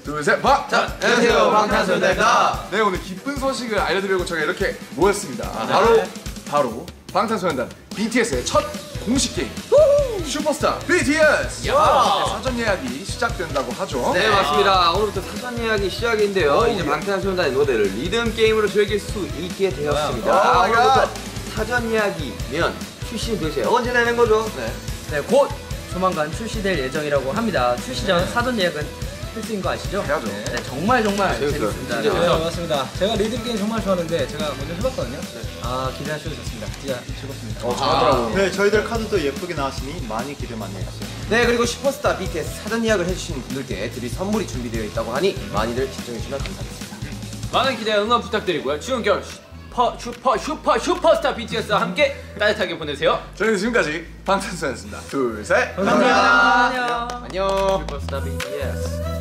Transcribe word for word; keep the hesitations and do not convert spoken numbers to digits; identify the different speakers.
Speaker 1: 둘, 셋, 박!
Speaker 2: 자, 안녕하세요. 방탄소년단입니다.
Speaker 1: 네, 오늘 기쁜 소식을 알려드리려고 저희가 이렇게 모였습니다. 아, 네. 바로, 바로 방탄소년단 비티에스의 첫 공식 게임 슈퍼스타 비티에스! 네, 사전 예약이 시작된다고 하죠.
Speaker 2: 네, 맞습니다. 오늘부터 사전 예약이 시작인데요. 오, 이제 예. 방탄소년단의 노래를 리듬 게임으로 즐길 수 있게 되었습니다. 아, 오늘부터 사전 예약이면 출시는 도대체 언제 되는 거죠?
Speaker 3: 네, 네, 곧 조만간 출시될 예정이라고 합니다. 출시 전 네. 사전 예약은 필수인 거 아시죠?
Speaker 1: 해야죠.
Speaker 3: 네, 네, 정말 정말 네, 재밌습니다.
Speaker 4: 진짜 네, 맞습니다. 제가 리듬 게임 정말 좋아하는데 제가 먼저 해봤거든요. 네. 아, 기대하셔도 좋습니다. 진짜 즐겁습니다.
Speaker 1: 어, 잘하더라고요.
Speaker 5: 아, 네, 저희들 카드도 예쁘게 나왔으니 많이 기대 많이 해주세요.
Speaker 2: 네, 그리고 슈퍼스타 비티에스 사전 예약을 해주신 분들께 드릴 선물이 준비되어 있다고 하니 많이들 시청해주시면 감사하겠습니다.
Speaker 6: 많은 기대와 응원 부탁드리고요. 추운 겨울 슈퍼 슈퍼 슈퍼 슈퍼스타 비티에스와 함께 따뜻하게 보내세요.
Speaker 1: 저희는 지금까지 방탄소년단이었습니다. 둘, 셋!
Speaker 3: 감사합니다.
Speaker 2: 안녕. 안녕. 슈퍼스타 비티에스.